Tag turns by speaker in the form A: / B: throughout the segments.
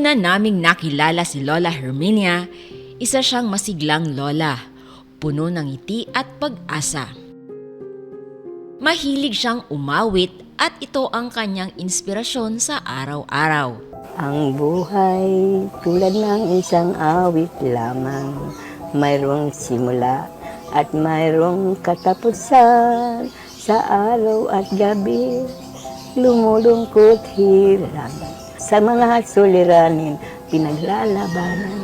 A: Una naming nakilala si Lola Herminia, isa siyang masiglang lola, puno ng ngiti at pag-asa. Mahilig siyang umawit at ito ang kanyang inspirasyon sa araw-araw.
B: Ang buhay tulad ng isang awit lamang, mayroong simula at mayroong katapusan. Sa araw at gabi, lumulungkot hirap. Sa mga suliranin, pinaglalabanan.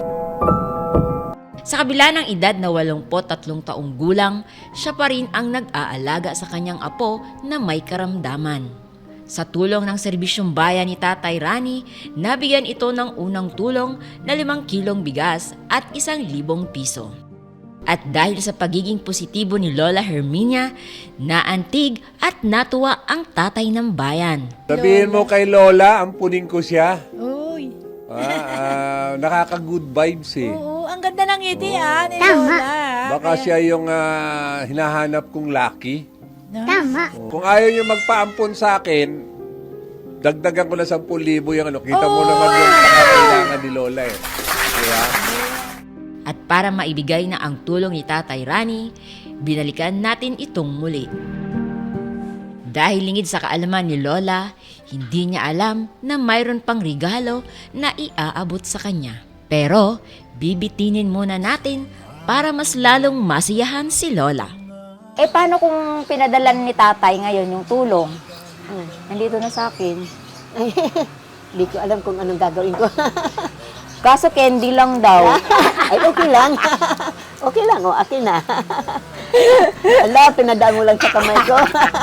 A: Sa kabila ng edad na 83 taong gulang, siya pa rin ang nag-aalaga sa kanyang apo na may karamdaman. Sa tulong ng serbisyong bayan ni Tatay Rani, nabigyan ito ng unang tulong na 5 kilong bigas at 1,000 piso. At dahil sa pagiging positibo ni Lola Herminia, naantig at natuwa ang tatay ng bayan.
C: Sabihin mo kay Lola, ampunin ko siya.
D: Uy.
C: Nakaka-good vibes eh.
D: Oo, ang ganda ng ngiti ni
B: Tama.
D: Lola.
C: Baka siya yung hinahanap kong lucky.
B: Tama.
C: Kung ayaw niyo magpaampon sa akin, dagdagan ko na 10,000 yung ano. Kita mo naman yung pangangailangan ni Lola eh. Diba?
A: At para maibigay na ang tulong ni Tatay Rani, binalikan natin itong muli. Dahil lingid sa kaalaman ni Lola, hindi niya alam na mayroon pang regalo na iaabot sa kanya. Pero bibitinin muna natin para mas lalong masiyahan si Lola.
E: Paano kung pinadalan ni tatay ngayon yung tulong? Nandito na sa akin.
B: Hindi ko alam kung anong gagawin ko.
E: Kaso candy lang daw.
B: Ay, okay lang. Okay lang, akin na. Ala, pinadaan mo lang sa kamay ko.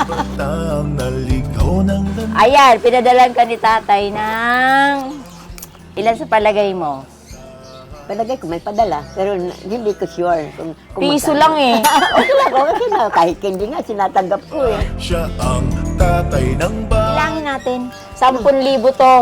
E: Ayan, pinadalan ka ni tatay ng... Ilan sa palagay mo?
B: Palagay ko may padala, pero hindi ko sure. Kung
E: Piso
B: magkano.
E: lang eh.
B: Okay na. Kahit hindi nga, sinatanggap ko eh.
F: Siya ang tatay ng
E: Bilangin natin. 10,000 to.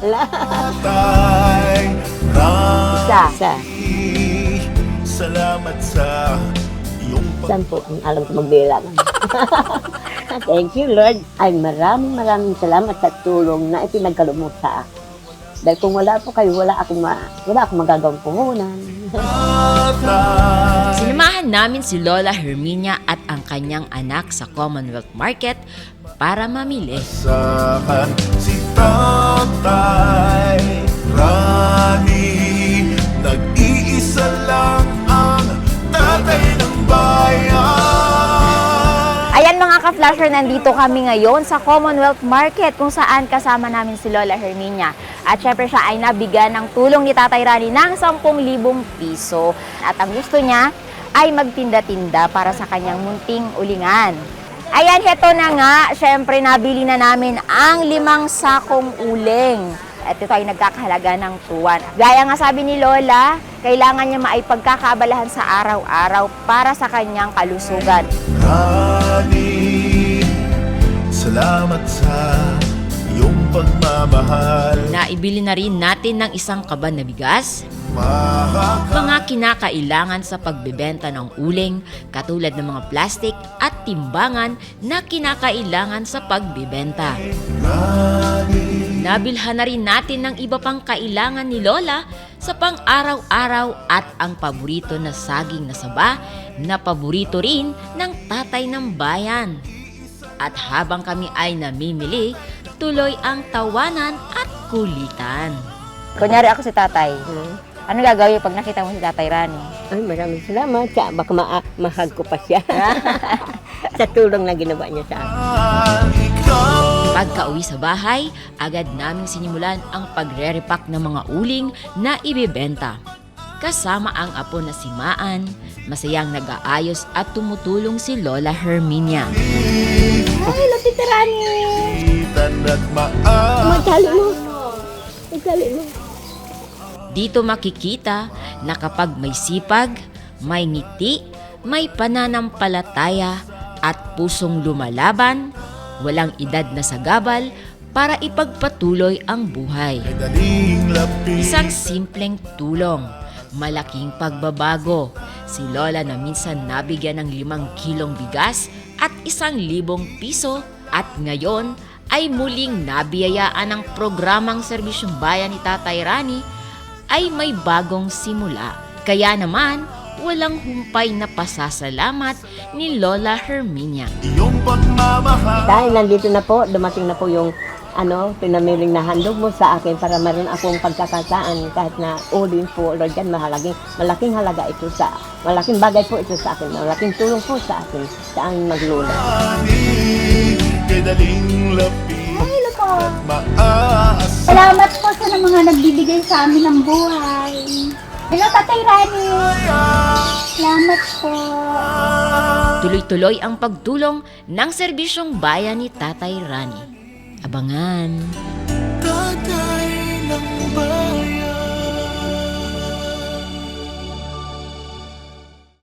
F: batay.
E: Isa.
F: Salamat sa iyong
B: Saan po ang alam ko magbilang? Thank you, Lord. Ay, maraming salamat sa tulong na ipinagkaloob mo sa akin. Dahil kung wala po kayo, wala akong magagawang puhunan.
F: pagpatay.
A: Sinamahan namin si Lola Herminia at ang kanyang anak sa Commonwealth Market para mamili.
F: Sakan si Tatay Rani, nag-iisa lang ang tatay ng bayan.
E: Ayan mga ka-flasher, nandito kami ngayon sa Commonwealth Market kung saan kasama namin si Lola Herminia. At syempre siya ay nabigyan ng tulong ni Tatay Rani ng 10,000 piso. At ang gusto niya ay magtinda-tinda para sa kanyang munting ulingan. Ayan, heto na nga, syempre nabili na namin ang 5 sakong uling. At ito ay nagkakahalaga ng tuwan. Gaya nga sabi ni Lola, kailangan niya maipagkakabalahan sa araw-araw para sa kanyang kalusugan.
F: Rani, salamat sa iyong pagmamahal.
A: Naibili na rin natin ng 1 kaban na bigas, mga kinakailangan sa pagbebenta ng uling katulad ng mga plastic at timbangan na kinakailangan sa pagbebenta. Nabilhan na rin natin ng iba pang kailangan ni Lola sa pang-araw-araw at ang paborito na saging na saba na paborito rin ng tatay ng bayan. At habang kami ay namimili, tuloy ang tawanan at kulitan.
E: Kunyari ako si tatay. Ano gagawin pag nakita mo si Tatay Rani?
B: Ay, maraming salamat. Baka mahag ko pa siya. Sa tulong na ginawa niya sa akin.
A: Pagka-uwi sa bahay, agad naming sinimulan ang pagre-repack ng mga uling na ibebenta. Kasama ang apo na si Maan, masayang nag-aayos at tumutulong si Lola Herminia.
E: Ay, Tita Rani!
B: Magkali mo. Magkali mo.
A: Dito makikita na kapag may sipag, may ngiti, may pananampalataya at pusong lumalaban, walang edad na sagabal para ipagpatuloy ang buhay. Isang simpleng tulong, malaking pagbabago. Si Lola na minsan nabigyan ng 5 kilong bigas at 1,000 piso at ngayon ay muling nabiyayaan ng programang Serbisyong Bayan ni Tatay Rani ay may bagong simula. Kaya naman, walang humpay na pasasalamat ni Lola Herminia.
F: Iyong pagmamahal.
B: Dahil nandito na po, dumating na po yung pinamiling na handog mo sa akin para meron akong pagkakataan kahit na ulin po, Lord God, malaking halaga ito malaking bagay po ito sa akin, malaking tulong po sa akin, sa ang maglula.
F: Kay daling lapit
G: Hello po.
F: at maaasal.
G: Salamat po sa mga nagbibigay sa amin ng buhay. Hello, Tatay Rani. Salamat po.
A: Tuloy-tuloy ang pagtulong ng Serbisyong Bayan ni Tatay Rani. Abangan!
F: Tatay